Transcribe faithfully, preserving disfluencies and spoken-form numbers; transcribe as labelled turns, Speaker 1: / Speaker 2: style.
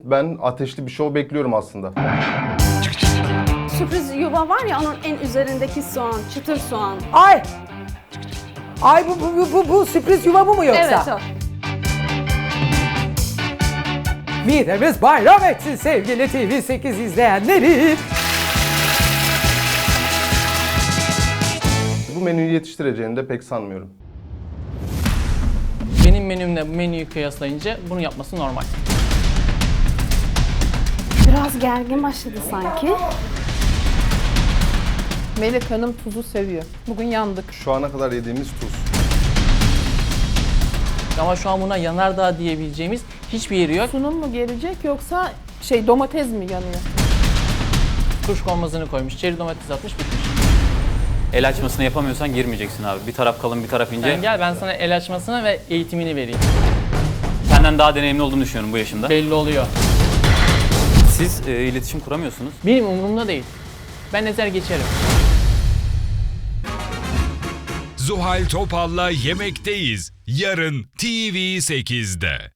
Speaker 1: Ben ateşli bir şov bekliyorum aslında.
Speaker 2: Sürpriz yuva var ya, onun en üzerindeki soğan, çıtır soğan.
Speaker 3: Ay! Ay bu, bu, bu, bu, bu sürpriz yuva bu mu yoksa?
Speaker 2: Evet o.
Speaker 3: Midemiz bayram etsin sevgili T V sekiz izleyenleri.
Speaker 1: Bu menüyü yetiştireceğini de pek sanmıyorum.
Speaker 4: Benim menümle bu menüyü kıyaslayınca bunu yapması normal.
Speaker 2: Biraz gergin başladı sanki.
Speaker 5: Melek Hanım tuzu seviyor. Bugün yandık.
Speaker 1: Şu ana kadar yediğimiz tuz.
Speaker 4: Ama şu an buna yanardağ diyebileceğimiz hiçbir yeri yok.
Speaker 5: Sunum mu gelecek yoksa şey domates mi yanıyor?
Speaker 4: Kuşkonmazını koymuş, çeri domates atmış, bitmiş.
Speaker 6: El açmasını yapamıyorsan girmeyeceksin abi. Bir taraf kalın, bir taraf ince.
Speaker 4: Sen gel, ben sana el açmasını ve eğitimini vereyim.
Speaker 6: Senden daha deneyimli olduğunu düşünüyorum bu yaşında.
Speaker 4: Belli oluyor.
Speaker 6: Siz e, iletişim kuramıyorsunuz.
Speaker 4: Benim umurumda değil. Ben ezer geçerim.
Speaker 7: Zuhal Topal'la Yemekteyiz. Yarın T V sekizde.